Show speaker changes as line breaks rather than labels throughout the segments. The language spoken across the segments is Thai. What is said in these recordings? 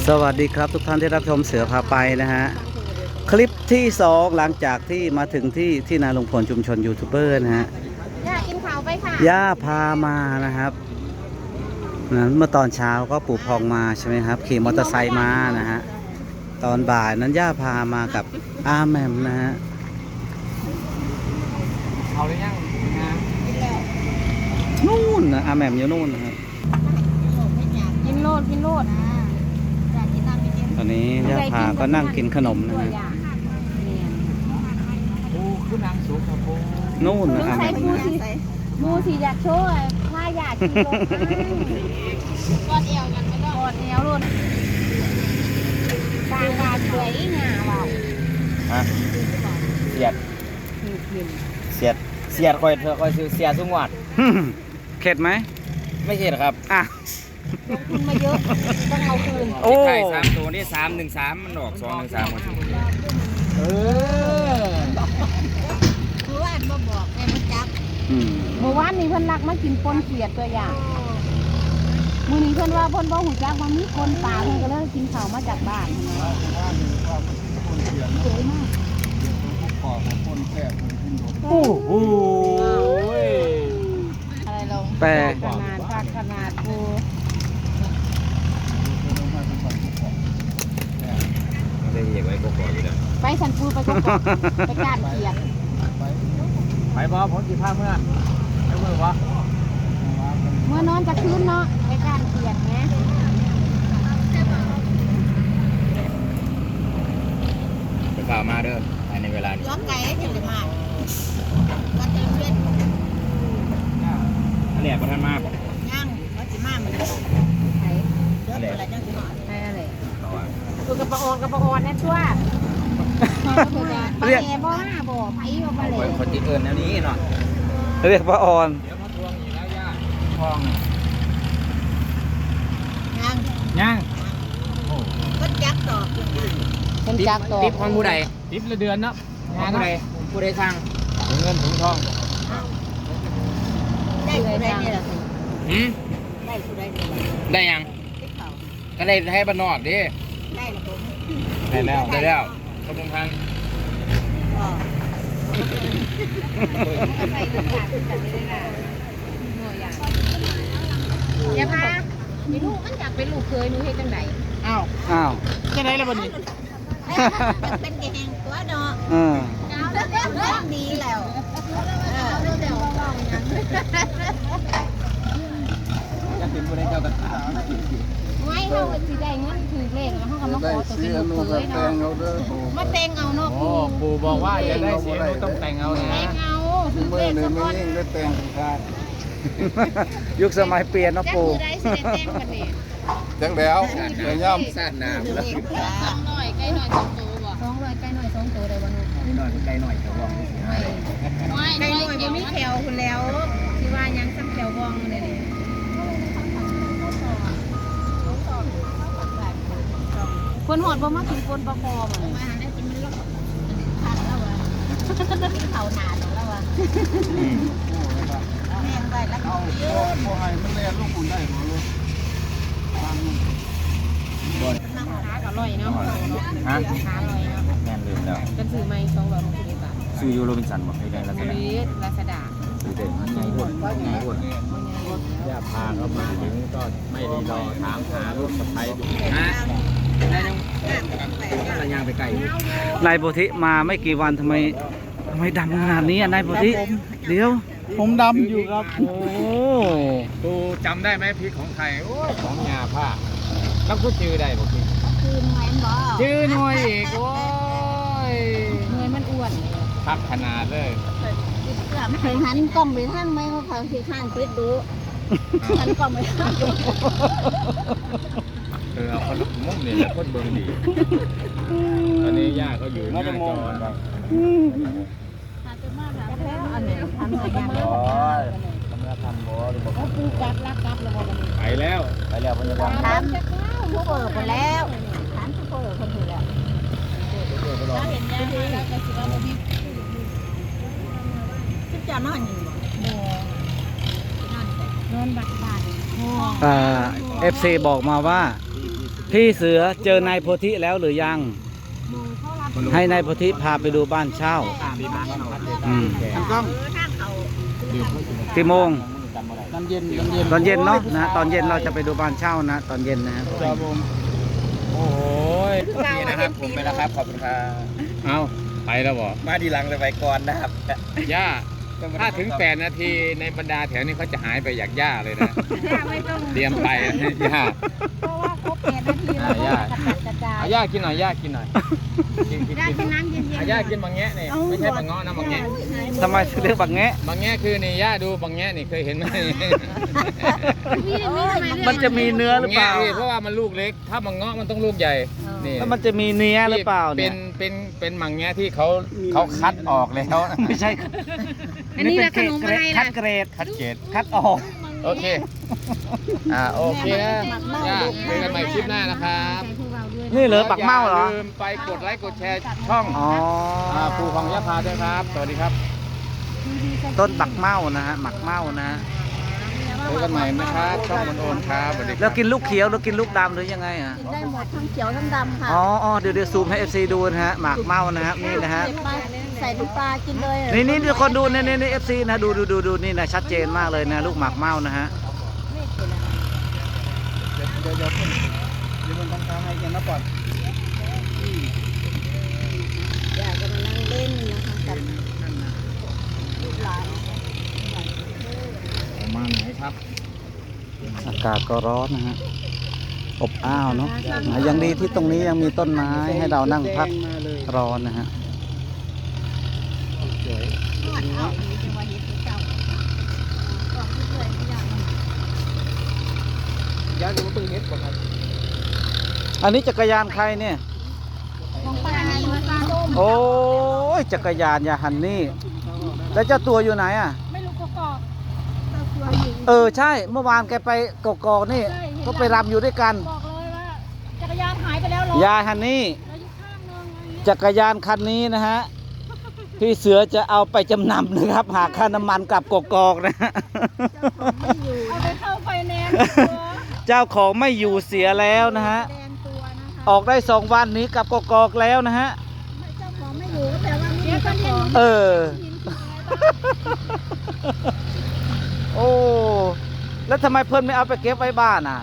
สวัสดีครับทุกท่านที่รับชมเสือพาไปนะฮะคลิปที่2หลังจากที่มาถึงที่นาลุงพลชุมชนยูทูบเบอร์นะฮะ
ย่ากินข้าวไปค่ะ
ย่าพามานะครับนั้นเมื่อตอนเช้าก็ปู่พองมาใช่ไหมครับขี่มอเตอร์ไซค์มานะฮะตอนบ่ายนั้นย่าพามากับอาแมมนะฮะ
เอาหรือยัง
นู่นนะอาแมมอยู่นู่นนะครับ
กินโลด
ตอนนี้ย่าพาก็นั่งกินขนมนะฮะ
โอ้คือนางสูงครับโอ้
นู่นนะอาแมมนะ
มูสิอยากโชว์ถ้าอยากกินโลดกอดเอวกันไม่ต้องกอดเอวรุ่นต่างบาดสวยงาว่าว
ฮะเสียดคอยเธอคอยซื้อเสียสุงวัด
เข็ดไหม
ไม่เข็ดครับ
อ่ะ
กินมาเยอะต้องเอาคืน
โอ้ไข่3ตัวนี่313มันออก213หมด
คือว่ามาบอกไงมันจับเมื่อวานนี้เพิ่นรักมากินปนเขียดตัวอย่างมื้อนี้เพิ่นว่าเพิ่นบ่ฮู้จักว่ามีคนป่าเพิ่นก็เลยกินข้าวมาจากบ้านสวยมาก
โอ้โห
อะไรลง
แปล
ขนาดกู
ได้เหยียบไว้ก็พออยู่แล้ว
ไปสันปูไปก็ไปการเขียด
ไปบอผมกี่ภาพเมื่อไปเมื่อวะ
เมื่อนอนจะคืนเนาะไปการเขียดไง
ไปข่าวมาเด้อในเวลานี้
ย้อนไก่จะได้มาก็เต็มเล่น
อันนี้ประธานมาบอก
ย่างก็จะมาเหมือนกันไข่เยอะอะไรจังสิหน่อยไข่อะไรตัวกระปองนั่นตัวเรียกบ่ห้าบ่ไผ่บ่เลย
คนที่เอิญแนวนี้เนาะ
เรียกป้าออน
เดี๋ยวมาทวงอีกแล้วย่าทองย่าง
ก็จักดอกคนจักดอก
ติ๊บของผู้ใดติ๊บละเดือนเนาะผู้ใดสร้างถุงเงินถุงทอง
ได้ผู้ใดนี่แหละได้ผู้ใด
ได้ยังก็ได้ให้บ้านนอกดิ
ได้แล้วผม
ได้แล้วขอบคุณทาง
อย่าพามีลูกมันอยากเป็นลูกเคยหนูเฮ็ดจังได
อ้าว
จังได๋ล่ะบัดนี้
เป็นแกงตัวเนาะดีแล้ว
จะเป็นผู้ใดเจ้าตะขา
ไม่เฮาสิได้เงินถือเลขแล้วเฮาก็มาขอตัวเป็นลูกเคยเนาะมาแต่งเอาเนาะ
ปู่บอกว่าอย่าได้เสียหนูต้องแต่งเอานะ
แต่งเอาถือเลขซะก่อน
ได้แต่งกัน
ยุคสมัยเปลี่ยนเนาะปู่
ได้สิได้แต่งกันนี่
จังแล้วเดี๋ยวย่
ำซ่านน้ำแล้ว
200ไก่หน่อย2ตัวบ่200ไก่หน่อย2ตัวได้บ่หนู
ไก่หน่อยแถวว่องนี่สิ
ไก่หน่อยบ่มีแถวคุณแล้วที่ว่ายังซ้ำแถวว่องเลยนี่คนหอดบ่มากินคนปลาคอมันมาได้กินมันลอกทันแล้ววะเขาหนาแล้ววะแม่งไปแล้ว
เอาพอให้มันเรียนลูกคุณได้หมดเลย
นั่งหาก็อร่อยเนาะหาอร่อยเนาะ
แม่นลืมแล้ว
กันซื้อไหม260 บาท
ซื้อยูโรบินสันบอกให้ได้แล้ว
ลาซาด้า
ซื้อเด็ดไงวุ่นย่าพาเขามาถึงก็ไม่รีรอถามหาลูกสะใภ้ดูนะได้ยังอะไรยางไปไกล
นายโพธิมาไม่กี่วันทำไมดำขนาดนี้นายโพธิเดี๋ยว
ผมดำอยู่ครับ
โอ้
ตูจำได้ไหมพริกของไทยของยาผ้าแล้วก็จื้อได้บอกพี่
คือหน่วยมันบ่
จื้อหน่วยอีกโอ้ย
หน่วยมันอ้วน
พักขนาดเลย
ไม่เคยหันกล้องไปทางไหมเขาสิข้างปิดดูหันกล้องไปทางดู
เอาคนมุ่งเนี่ยแล้วคนเบิ่งดีตอนนี้ย่าเขาอยู่หน้าจอ
อันนี้ทำอะไรกัน
โอ้ยทำงานทำบ่หรือบอก
ปูกัดรักเลย
ไปแล้วพยาบาล
ถามผู้เปิดไปแล้วถามผู้เปิดคนถือแล้วเราเห็นยังเราก็คิดว่ามีคิดจะนอนอยู่บ่นอนบักบาท
FC บอกมาว่าพี่เสือเจอนายโพธิแล้วหรือยัง ให้นายโพธิพาไปดูบ้านเช่า อืม
ต้อง
กี่โมง
น้ำเย็นน้ำเย็น
ตอนเย็นเนาะนะตอนเย็นเราจะไปดูบ้านเช่านะตอนเย็นนะครับ
ครับผม
โอ้ยนี่นะครับผมไปแล้วครับขอบคุณครับเอาไปแล้วบ่
มาดีหลังเลยไปก่อนนะครับ
ย่าถ้าถึง8 นาทีในบรรดาแถวนี้เขาจะหายไปอยากย่าเลยนะเตรียมไปย่า
เพราะว่าครบ8 นาทีแล้วก็กระจาย
เอาย่ากินหน่อยย่ากินหน่อยกิน
ได้กินน้ำเย็น
เอาย่ากินบางแงะนี่ไม่ใช่บางเงาะนะบางแงะ
ทำไมถึงเรียกบักแงะ
บางแงะคือนี่ย่าดูบางแงะนี่เคยเห็นไหม
มันจะมีเนื้อหรือเปล่า
บางแงะนี่เพราะว่ามันลูกเล็ก ถ้าบางเงาะมันต้องลูกใหญ่นี่
แล้วมันจะมีเนื้อหรือเปล่าเนี่ย
เป็นบางแงะที่เขาคัดออกแล้ว
ไม่ใช่
อันนี้ละขนมอะไร
คั
ล่ะ
ดเกรด
คัดเกรด
คัดออก
โอเคโอเคนะย่าเจอกันใหม่คลิปหน้านะครับ
นี่เหรอปักเมาเหรอ
ย่าลืมไปกดไลค์กดแชร์ช่อง
อ๋อ
ปู่ของยะพาด้วยครับ สวัสดีครับ
ต้นปักเมานะฮะหมักเมานะฮะ
เจอกันใหม่นะครับช่องมันโอนครับสวัสดีค
แล้
รั
ว
บ
กินลูกเขียวแล้วกินลูกดำหรือยังไงอ่ะ
ได้หมดทั้งเขียวทั้งดำค่ะ
อ๋อเดี๋ยวซูมให้ FC ดูนะฮะหมักเมานะฮะนี่นะฮะ
เก็บมาใส่น้ำปลากินเลย
นี่ทุกคนดูนี่ FC นะดูนี่นะชัดเจนมากเลยนะลูกหมักเมานะฮะ
เดี๋ยวมันต้องทำให้กันนะก่อน
อยากจะมานั่งเล่นนะคะกับลูกหลาน
ประมาณไหนครับ
อากาศก็ร้อนนะฮะอบอ้าวเนาะยังดีที่ตรงนี้ยังมีต้นไม้ให้เรานั่งพักร้อนนะฮะ
ย้ายดูตึงเฮ็ดก่อนครับ
อันนี้จักรยานใครเนี่ย
ของป้านี่มาตาส้ม
โอ้ยจักรยานยาฮันนี่แล้วเจ้าตัวอยู่ไหนอ่ะ
ไม่รู้ก็กอก
ใช่เมื่อวานแกไปกกอกนี่ก็ไปรำอยู่ด้วยกัน
บอกเลยว่าจักรยานหายไปแล้วเหรอย
าฮันนี่
แล้วอยู่ข้างนึงอะไรเงี้ย
จักรยานคันนี้นะฮะพี่เสือจะเอาไปจำนำนะครับ หากค่าน้ำมันกลับกกอกนะฮะ
เอาไปเข้าไฟแนนซ์ตัว
เจ้าของไม่อยู่เสียแล้วนะฮะ
แดงตัวนะคะ
ออกได้2 วันนี้กลับกกอกแล้วนะฮะ
เจ้าของไม่อยู่แต่ว่ามีเจ้าของ
เออ โอ้แล้วทำไมเพื่อนไม่เอาไปเก็บไว้บ้านอ่ะ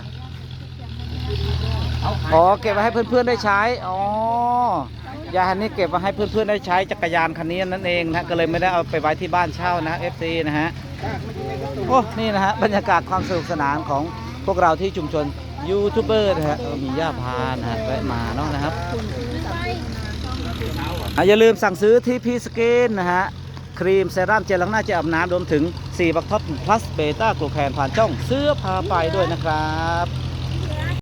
อ๋อเก็บไว้ให้เพื่อนๆได้ใช้อ๋อยาฮันนี่เก็บไว้ให้เพื่อนๆได้ใช้จักรยานคันนี้นั่นเองนะก็เลยไม่ได้เอาไปไว้ที่บ้านเช่านะ FC นะฮะโอ้นี่นะฮะบรรยากาศความสนุกสนานของพวกเราที่ชุมชนยูทูบเบอร์นะฮะมีย่าพานะฮะแวะมาเนาะนะครับอย่าลืมสั่งซื้อที่พีสกินนะฮะครีมเซรั่มเจลล้างหน้าเจลอาบน้ำรวมถึง4 บักท็อปพลัสเบต้ากลูแคนผ่านช่องเสื้อพาไปด้วยนะครับ